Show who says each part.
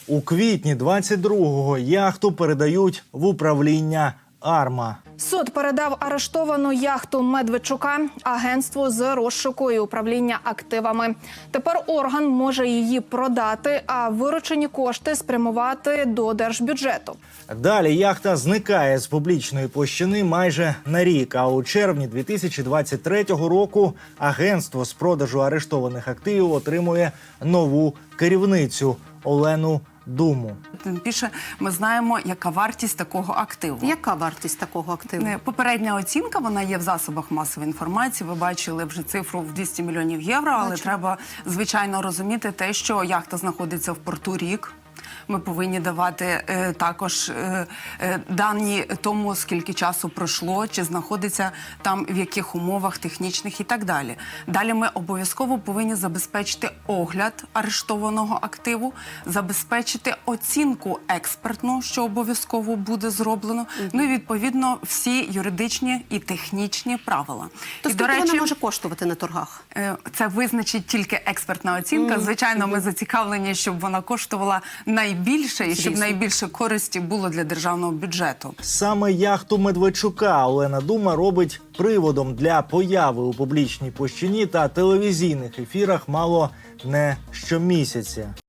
Speaker 1: У квітні 22-го яхту передають в управління «Арма».
Speaker 2: Суд передав арештовану яхту Медведчука агентству з розшуку і управління активами. Тепер орган може її продати, а виручені кошти спрямувати до держбюджету.
Speaker 1: Далі яхта зникає з публічної площини майже на рік, а у червні 2023 року агентство з продажу арештованих активів отримує нову керівницю Олену Думу.
Speaker 3: Тим більше ми знаємо, яка вартість такого активу.
Speaker 4: Яка вартість такого активу?
Speaker 3: Попередня оцінка, вона є в засобах масової інформації. Ви бачили вже цифру в 200 мільйонів євро, але треба, звичайно, розуміти те, що яхта знаходиться в порту рік. Ми повинні давати також дані тому, скільки часу пройшло, чи знаходиться там, в яких умовах технічних і так далі. Далі ми обов'язково повинні забезпечити огляд арештованого активу, забезпечити оцінку експертну, що обов'язково буде зроблено, ну і, відповідно, всі юридичні і технічні правила.
Speaker 4: То
Speaker 3: і,
Speaker 4: скільки вона може коштувати на торгах?
Speaker 3: Це визначить тільки експертна оцінка. Звичайно, ми зацікавлені, щоб вона коштувала найбільше і щоб найбільше користі було для державного бюджету.
Speaker 1: Саме яхту Медведчука Олена Дума робить приводом для появи у публічній площині та телевізійних ефірах мало не щомісяця.